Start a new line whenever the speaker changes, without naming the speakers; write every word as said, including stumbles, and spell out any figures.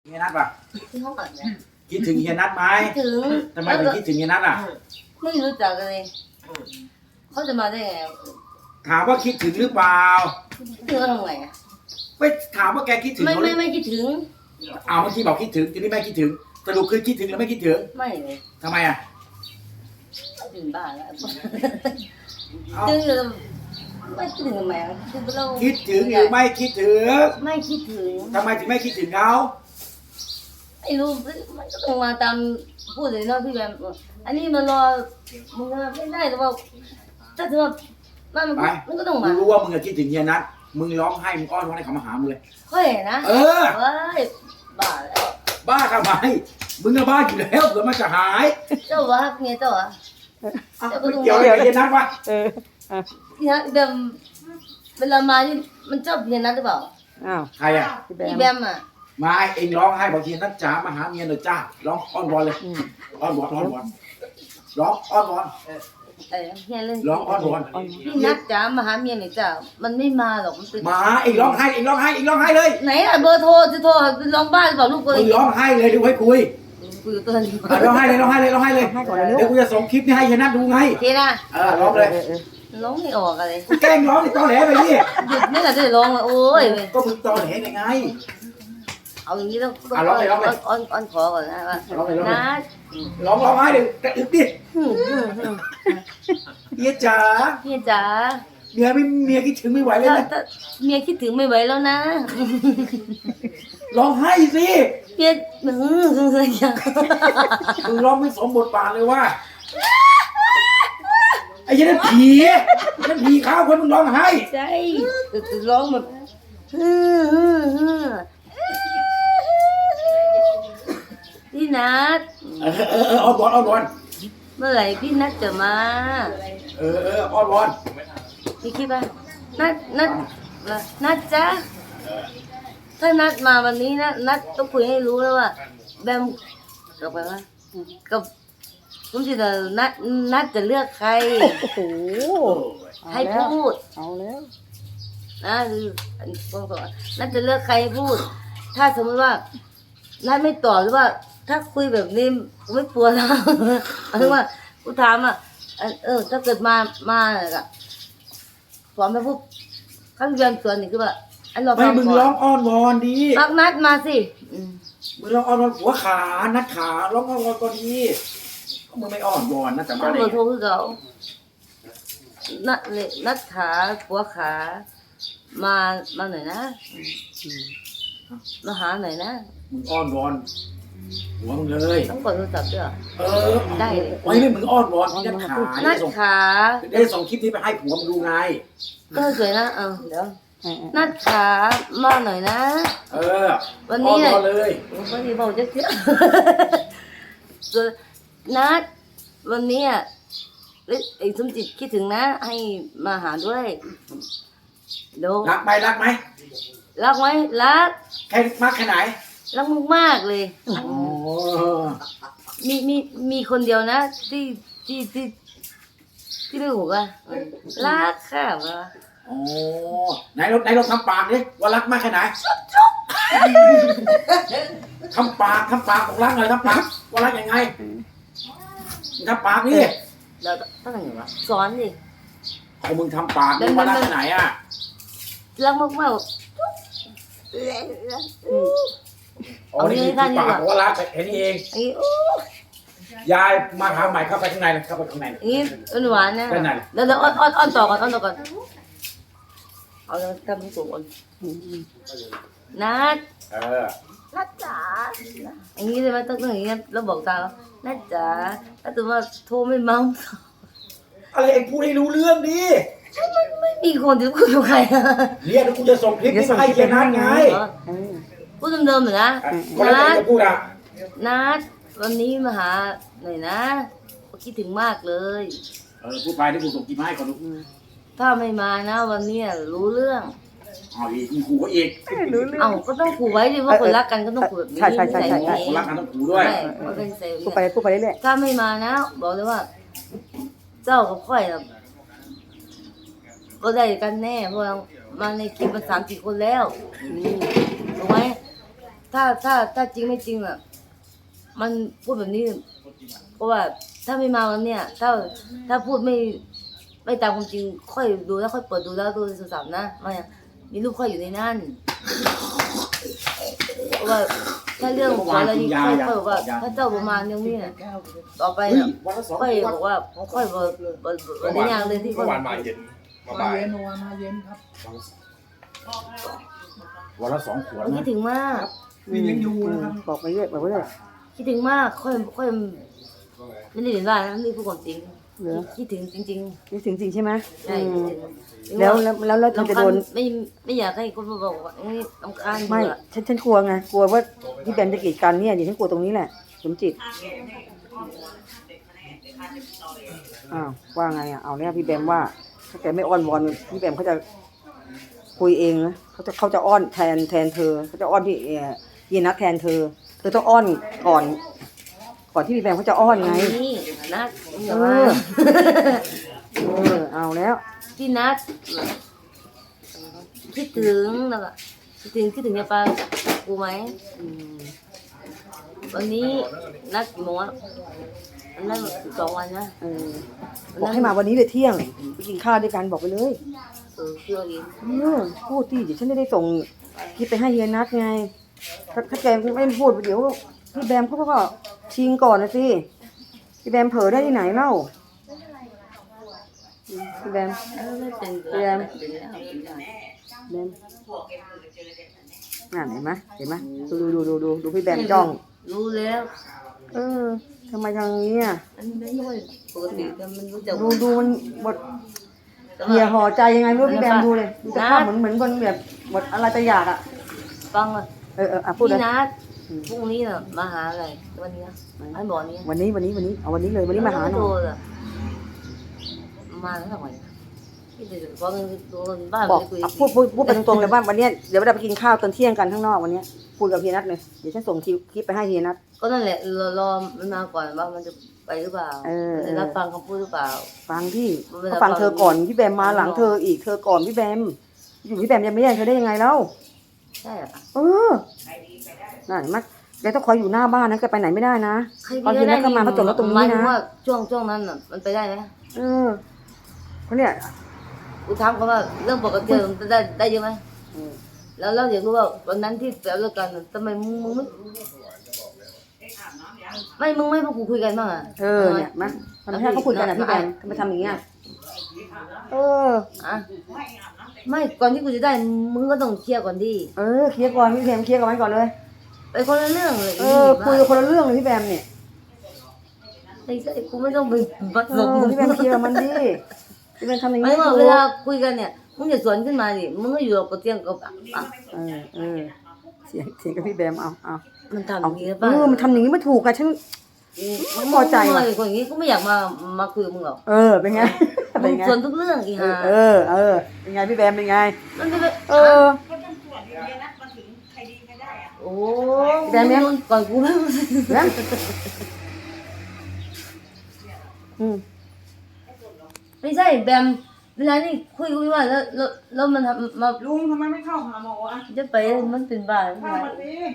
เฮียนัทป่ะ
ที่ห้องก่อนนะ
คิดถึงเฮียนัทไหม
ถึง
ทำไมถึงคิดถึงเฮียนัทอ่ะ
ไม่รู้จักกันเลยเขาจะมาได้ไง
ถามว่าคิดถึงหรือเปล่า
ถึงเขาทำไงอ่ะ
ไม่ถามว่าแกคิดถึง
ไม่
เขา
ไม่ไม่คิดถึง
เอาเมื่อกี้บอกคิดถึงทีนี้ไม่คิดถึงสรุปคือคิดถึงหรือไม่คิดถึง
ไม่เลย
ทำไมอ่ะ
ถึงบ้านแล้ว
เอา
ถึงไม่คิดถึงทำไมอ่ะคือเรา
คิดถึงหรือไม่คิดถึง
ไม่คิดถึง
ทำไมถึงไม่คิดถึงเขา
ไม่รู้มันก็ต้องมาตามพูดเลยเนาะพี่แบมอันนี้มันรอมึงไม่ได้แต่ว่าถ้าถือว่ามันมันก็ต้อง
มึ
มาง
รู้ว่ามึงอะคิดถึงเฮียนัทมึงร้องไห้มึงอ้อนวอนให้เขามาหามึงเลย
เฮ้ยนะ
เออ
เฮ้ยบ้าแล้ว
บ้าทำไมมึงก็บ้าอยู่แล้วเผื่อมันจะหาย
เจ้าวะเมียเจ้าวะ
อ้าวไม่เกี่ยวอะไรกับเฮียนัทวะ
เอออ่ะ
เนี่ยเบมเวลามานี่มันชอบเพียนนัดหรือเปล่า
อ้าว
ใครอ่ะ
พี่แบ
พี่
ม
แบมอ่ะ
มาเองร้องไห้บอกเฮียนัทจ๋ามาหาเมียหน่อยจ้าร้องอ้อนวอนเลย
อืม
อ้อนวอนอ้อนวอนร้องอ้อนวอน
เออเฮียเล่น
ร้องอ้อนวอน
พี่นัดจ๋ามาหาเมียหน่อยจ้ามันไม่มาหรอกมันเป็น
มาเองร้องไห้เองร้องไห้เองร้องไห้เลย
ไหนอ่ะเบอร์โทรจะโทรไปร้องบ้านหรือเปล่าลูกกู
มึงร้องไห้เลยดูให้คุย
คุยกับตัวนี้
อ่ะร้องไห้เลยร้องไห้เลยร้องไห้เลย
ให้ก่อนเลยลู
เดี๋ยว
ก
กูจะส่งคลิปนี้ให้เฮียนัทดูไง
ทีนะ
เออร้องเลย
เออเออ
ร้องไม่ออกอะไร
กูแกล้งร้องในตอแหลไปนี่
หยุดไม่ได้จะร้องเลยโอ้ย
ก็มึงตอแหลยังไง
เอาอย่างนี้ต้อง
อ่ะร้องเลยร้องเลย
อ้อนอ้อนขอก่อนนะว่า
ร้องเลยร้องเลย
นัด
ร้องร้องไห้เลยแต่อึดดิ
ฮึ่มฮึ่มฮึ่ม
เฮียจ๋า
เฮียจ๋า
เมียไม่เมียคิดถึงไม่ไหวเลย
ถ้า
นะ
ถ้าเมียคิดถึงไม่ไหวแล้วนะ
ร้องไห้สิ
เมียหืมฮึ่มฮึ่มอย่าง
มึงร้องไม่สมบทบาทเลยว่าไอ้เหี้ยันนั่นผีนั่นผีข้าวคนมึงร้องไห้
ใช่แต่ร้องแบบฮึ่มฮึ่มฮึ่มพี่นัท
เออเออเอออ้อนวอนอ้อนวอน
เมื่อไหร่พี่นัทจะมา
เออเอออ้อนวอน
พี่คิดว่านัดนัดนัดจ้ะถ้านัดมาวันนี้นะนัดต้องคุยให้รู้แล้วว่าแบมกับไปว่ากับคุณจิตนัดนัดจะเลือกใคร
โอ้โหเอา
ให้
แล้ว
พูด
เอาแล้ว
นะคือบอกก่อนนัดจะเลือกใครให้พูด ถ้าสมมติว่านัดไม่ตอบหรือว่า ถ้าคุยแบบนี้ไม่ปวดแล้ว หมายถึงว่ากูถามอ่ะเออถ้าเกิดมามาอะสอนไปปุ๊บขั้นเรียนสวนนี่คือว่าอันเรา
ไม่
ฟัง
มึง
ก่
ร้
อ
อน งอ้อนวอนดี
รักนัดมาสิอืม
มึงร้องอ้อนวอนหัวขานัดขาร้องอ้อนวอนก็ดีมึงไม่อ้อนวอนนะแต่
ต้
มา
อง
ได้
เบอร์
ไง
โทรคือเขานัดเลยนัดขาหัวขา มามาหน่อยนะมาหาหน่อยนะ
มึงอ้อนวอนหัวมึงเลย
ต้องกดโทรศัพท์ด้วยเหรอ
เออ
ได้เลย
ไว้ไม่มึงอ้อนวอนนัดขา
นั
ได้
ด
ส่ง
ขา
ได้ส่งคลิปนี้ไปให้ผัวมึงดูไง
ก็สวยนะเออเดี๋ยว
เออเออ
นัดขามาหน่อยนะ
เออ
วันนี้
อ้อน
เนี่
วย อนเลย
วันนี้บอกจะเชื่อ นัดวันนี้อ่ะไอ้สมจิตคิดถึงนะ ให้มาหาด้วยเดี๋ยว
รักไหมรักไหม
รักไหมรัก
แค่มากแค่ไหน
รักมากๆเลย
อ๋อ
มีมีมีคนเดียวนะ ที่ที่ที่ที่ไม่หูอ่ะรักค่ะวะ
อ๋อไหนลองไหนลองทำปากดิว่ารักมากแค่ไหนทำปากทำปากของรักหน่อยทำปากว่ารักยังไงทำปากนี่
เดี๋ยวต้องทำยังไงวะสอนดิ
เอามึงทำปากนี่ว่ารักแค่ไหนอ่ะ
รักมากมาก
อ๋อนี่คือปากของว่ารักแค่นี้เอง
ไอ้โอ้
ยายมาหาใหม่เข้าไปข้างในเลยเข้าไปข้างในเลย
ยนี่หวานๆนะ
เป็นไง
เดี๋ยวเดี๋ยวอ้อนอ้อนอ้อนต่อก่อนอ้อนต่อก่อนเอาแล้วทำให้สูงก่อน
อืมอืม
นัด
เออ
นัดจ๋าอย่างนี้เลยไหมต้องต้องอย่างนี้แล้วบอกตาแล้วนัดจ๋าถ้าตัวว่าโทรไม่เมา
อะไรเองพูดให้รู้เรื่องดิ
ไม่มีคนที่คุยกับใครอะ
เนี่ยเดี๋ยวกูจะส่งคลิปนี้มาให้เจนัทไง
เออ
พูดเดิมๆเหมือนนะ
คนละจะพูดอ่ะ
นัดวันนี้มาหาหน่อยนะคิดถึงมากเลย
เออพูดไปที่กูส่งคลิปมาให้เขาดู
ถ้าไม่มานะ วันนี้รู้เรื่อง
เอาอีกมีขู่เขาอีก
รู้เรื่อง
เอ้าก็ต้องขู่ไว้ดิว่าคนรักกันก็ต้องขู่แบบนี้
ใช่ใช่ใช่ใช่ใช่
คนรักกันต้องขู่ด้วย
ใช่มันเป็นเซลล์
พูดไปพูดไปเรื่อย
ถ้าไม่มานะ บอกเลยว่า เจ้ากับค่อยน่ะก็ได้กันแน่เพราะเรามาในคลิปมาสามสี่คนแล้ว
ๆอืม
ถูกไหมถ้าถ้าถ้าจริงไม่จริงอ่ะมันพูดแบบนี้เพราะว่าถ้าไม่มาวันเนี้ยถ้าถ้าพูดไม่ไม่ตามความจริงค่อยดูแล้วค่อยเปิดดูแล้วดูโทรศัพท์นะไม่อะมีรูปค่อยอยู่ในนั่นเพราะว่าถ้าเรื่องของอะไรนี่ค่อยค่อยบอกว่าถ้าเจ้าประมาณนึงนี่น่ะต่อไป
เฮ้ย
น่ะ
วันละสอง
ค่อย
ขว
บ
ด
อกว่าค่อยบอกบอกบอกในอย่างเลยที่ค่
เมื่
อย
อวานมาเย็นมา
มา
บ่าย
เย็นวันมาเย็นครับ
วันละสองขวด
มัน
นะ
คิดถึงมาก
มียังอยู่นะครับ
บอกไปเรื่อยบอกไปเรื่อย
คิดถึงมากค่อยค่อยไม่ได้เห็นว่านะนี่พูดความจริง
เหรอ
คิดถึงจริง
นี่ถึงจริงใช่ไหม
ๆใช่
อืม
คิดถึง
แล้วแล้วแล้วแล้วเราจะโดน
รำคาญไม่ไม่อยากให้คนมาบอกว่าเอ้ยรำคาญ
ไม่
เบื่อ
ฉันฉันกลัวไงกลัวว่าพี่แบมจะกีดกันเนี่ยเดี๋ยวฉันกลัวตรงนี้แหละสมจิตอ้าวว่าไงอ่ะเอาเนี่ยพี่แบมว่าถ้าแกไม่อ้อนวอนพี่แบมเขาจะคุยเองนะเขาจะเขาจะอ้อนแทนแทนเธอเขาจะอ้อนพี่เอ่อเยนัทแทนเธอเธอต้องอ้อนก่อน ก่อนที่พี่แบมเขาจะอ้อนไง
นี่นัดมึงอย่า
เอ
มา
อ เออเอาแล้ว
พี่นัดคิดถึงแล้วก็คิดถึงคิดถึงจะไปกูไหม
อืม
วันนี้นัดกี่โมงอะอันนั้นสองวันนะ
เออบอกให้มาวันนี้เลยเที่ยงไปกินข้าวด้วยกันบอกไปเลย
เออเชื่ออีก
เออพูดดิเดี๋ยวฉันไม่ได้ส่งคลิปไปให้เฮียนัทไงถ้าถ้าแกไม่พูดเดี๋ยวพี่แบมเขาก็ชิงก่อนนะสิพี่แบมเผลอได้ที่ไหนเล่าอืมพี่แบม
เออไม่เป็น
เรียน
เป็นแล้วเป็นแล้ว
แบมน่ะเห็นไหมเห็นไหมดูดูดูดูดูพี่แบมจ้อง
รู้แล้ว
เออทำไมทางนี้อ่ะ
อันนี้ไม่ใช่ปกติแต่มันรู้จัก
ดูดูมันบทเหี่ยห่อใจยังไงไม่รู้พี่แบมดูเลยดูสภาพเหมือนเหมือนคนแบบบทอะไรจะอยากอ่ะ
ฟังเลย
เออเอออ่ะพูดเล
พี่
ย
นัดพรุ่งนี้น่ะมาหาอะไรวันนี้นะอันบอกนี้
วันนี้วันนี้วันนี้เอาวันนี้เลยวันนี้มาหาหน่
โท
อย
รอะมาแล้วทำไมนะพี่จะบอกเงินโดนบ้าน
บอก
ไปคุย
อ่ะพูดพูดพูดไปตรงๆเลยว่าวันเนี้ยเดี๋ยวเราไปกินข้าวตอนเที่ยงกันข้างนอกวันเนี้ยพูดกับเฮียนัทเลยเดี๋ยวฉันส่งคลิปคลิปไปให้เฮียนัท
ก็นั่นแหละรอรอมันมาก่อนว่ามันจะไปหรือเปล่า
เออ
จะรับฟังคำพูดหรือเปล่า
ฟังพี่
เวลา
เขาฟังเธอก่อนพี่แบมมาหลังเธออีกเธอก่อนพี่แบมอยู่พี่แบมยังไม่แย่งเธอได้ยังไงเล่า
ใช่อะ
เออนั่นเห็นไหมแกต้องคอยอยู่หน้าบ้านนะแกไปไหนไม่ได้นะ
ใคร
ตอนเย็นแล้วก็มาเขาจอดรถตรงนี้นะ
หมายถึว่าช่วงช่วงนั้นน่ะมันไปได้ไหม
เออเขาเนี่ย
กูถามเขาว่าเรื่องปกติมันได้ได้เยอะไหม
เออ
แล้วเราอยากรู้ว่าวันนั้นที่แปลเลิกกันน่ะทำไมมึงมึงไม่ไม่มึงไม่พวกกูคุยกันบ้างอ่ะ
เออเนี่ยมาทำไมให้เขาคุยกันอ่ะพี่แบมทำไมทำอย่างเงี้ยเออ
อ่ะไม่ก่อนที่กูจะได้มึงก็ต้องเคลียร์ก่อนดิ
เออเคลียร์ก่อนพี่แบมเคลียร์กับมันก่อนเลย
ไปคนละเรื่องเลย
เออคุยกับคนละเรื่องเลยพี่แบมเนี่ย
ไอ้ไอ้กูไม่ต้องไปบัด
เอ
ศพ
อ
มึง
พี่แบมเคลียร์กับมันดิพี่แบมทำอย่าง
ไม่
นี้
ว่า
ถู
เว
ก
ลาคุยกันเนี่ยมึงอย่าสวนขึ้นมาดิมึงก็อยู่กับเตียงกับอ่ะ
เออเออเสียงเสียงกับพี่แบมเอาเอา
มันทำอ
เอา
ย่างนี้
เอ
ป่ะ
อมันทำอย่างนี้ไม่ถูกอะฉัน
มึง
พอใจว่ะ
มึงคนอย่างนี้ก็ไม่อยากมามาคุยกับมึงหรอก
เออเป็นไง
มึ
เป็น
ง
ไง
สวนทุกเรื่องอี
เอ
ห่า
อเออเออเป็นไงพี่แบมเป็นไง
มันจะไป
เออ
โอ้
แบมเนี่ย
ก่อนกูแล้ว
นะอืม
ไม่ใช่แบมเวลานี่คุยคุยว่าแล้วแล้วแล้วมันทำมา
ลุงทำไมไม่เข้าหาหมออ่ะ
จะไปมันเป็นบ้าหรือไง
เข้ามาสิ